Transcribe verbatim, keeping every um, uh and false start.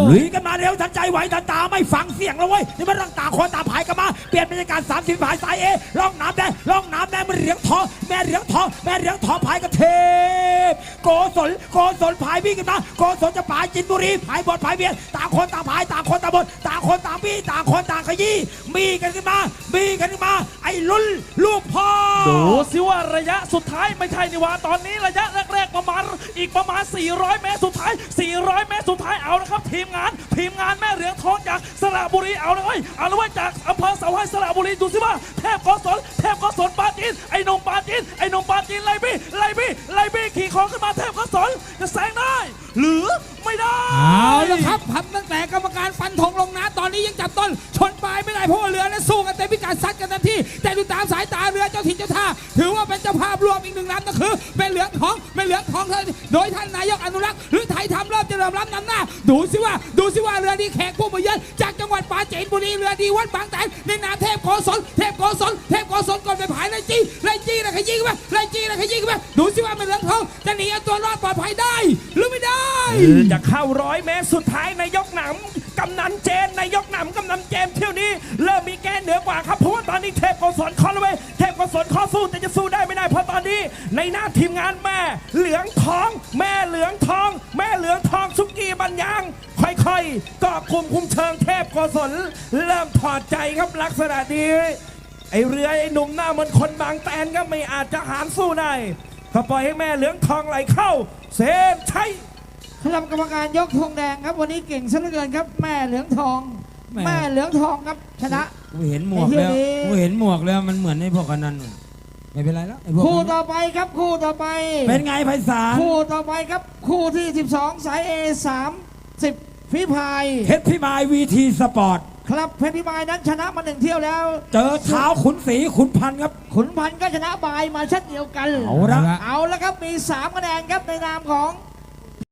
ลุยกันมาเร็วทันใจไหวทันตาไม่ฟังเสียงแล้วเว้ยนี่มันร่างต่างคนต่างพายกันมาเปลี่ยนบรรยากาศสามสิบพายสายเอล่องน้ำแดงล่องน้ำแดงมันเหรียญทองแม่เหรียญทองแม่เหรียญทองพายกับเทพโกศลโกศลพายวิ่งกันมาโกศลจะพายจินบุรีพายบดพายเบียดต่างคนต่างพายต่างคนต่างบดต่างคนต่างบี้ต่างคนต่างขยี้มีกันขึ้นมามีกันขึ้นมาไอ้ลุ้นลูกพ่อดูสิว่าระยะสุดท้ายไม่ใช่นี่ว่าตอนนี้ระยะแรกๆประมาณอีกประมาณสี่ร้อยเมตรสุดท้ายสี่ร้อยเมตรสุดท้ายเอานะครับทีมงานทีมงานแม่เหรียญทองจากสระบุรีเอาเลยเอาเลยจากอำเภอเสาให้สระบุรีดูสิว่าเทพโกศลเทพโกศลปาจีนไอ้นงปาจีนไอ้นงปาจีนไล่บี้ไล่บี้ไล่บี้ขี่คอขึ้นมาเทพโกศลจะแซงได้หรือไม่ได้เอาละครับพับตั้งแต่กรรมการฟันธงลงนะตอนนี้ยังจับต้นชนปลายไม่ได้เพราะว่าเรือและสู้กันเต็มพิกัดซัดกันเต็มที่แต่ดูตามสายตาเรือเจ้าถิ่นเจ้าท่าถือว่าเป็นเจ้าภาพรวมอีกหนึ่งลำก็คือเป็นเหลืองทองเป็นเหลืองทองโดยท่านนายกอนุรักษ์หรือไทยทำเริ่มจะเริ่มรับนำหน้าดูสิว่าดูสิว่าเรือดีแขกผู้มาเยือนจากจังหวัดปราจีนบุรีเรือดีวัดบางแตนในนามเทพโกศลเทพโกศลเทพโกศลก่อนไปผายไล่จี้ไล่จี้นะขยี้กันไปไล่จี้นะขยี้กันไปดูสิว่าเป็นเหลืองทองจะหนีเอาตัวรอดปลอดภัยได้หรือไม่ได้จะเข้าร้อยเมตรสุดท้ายนายกหนำกำนันเจนนายกหนำกำนันเจมเที่ยวนี้เริ่มมีแกนเหนือกว่าครับเพราะว่าตอนนี้เทพโกศลคอเลยเทพโกศลคอสู้แต่จะสู้ได้ไม่ได้เพราะตอนนี้ในหน้าทีมงานแม่เหลืองทองแม่เหลืองทองแม่เหลืองทองสุกี้บัญญังค่อยๆก็คุมคุมเชิงเทพโกศลเริ่มถอดใจครับลักษณะนี้ไอเรือไอหนุ่มหน้าเหมือนคนบางแตนก็ไม่อาจจะหารสู้ได้ก็ปล่อยให้แม่เหลืองทองไหลเข้าเซฟใช่คณะกรรมการยกธงแดงครับวันนี้เก่งซะเหลือเกินครับแม่เหลืองทองแม่เหลืองทองครับชนะกูเห็นหมวกแล้วกูเห็นหมวกแล้วมันเหมือนไอ้พวกกันนั่นไม่เป็นไรแล้วคู่ต่อไปครับคู่ต่อไปเป็นไงไพศาลคู่ต่อไปครับคู่ที่สิบสองสาย เอ สามสิบพิพายเพชรพิมายวีทีสปอร์ตครับเพชรพิมายนั้นชนะมาหนึ่งเที่ยวแล้วเจอเท้าขุนศรีขุนพันครับขุนพันก็ชนะบายมาเช่นเดียวกันเอาละเอาละครับมีสามคะแนนครับในนามของ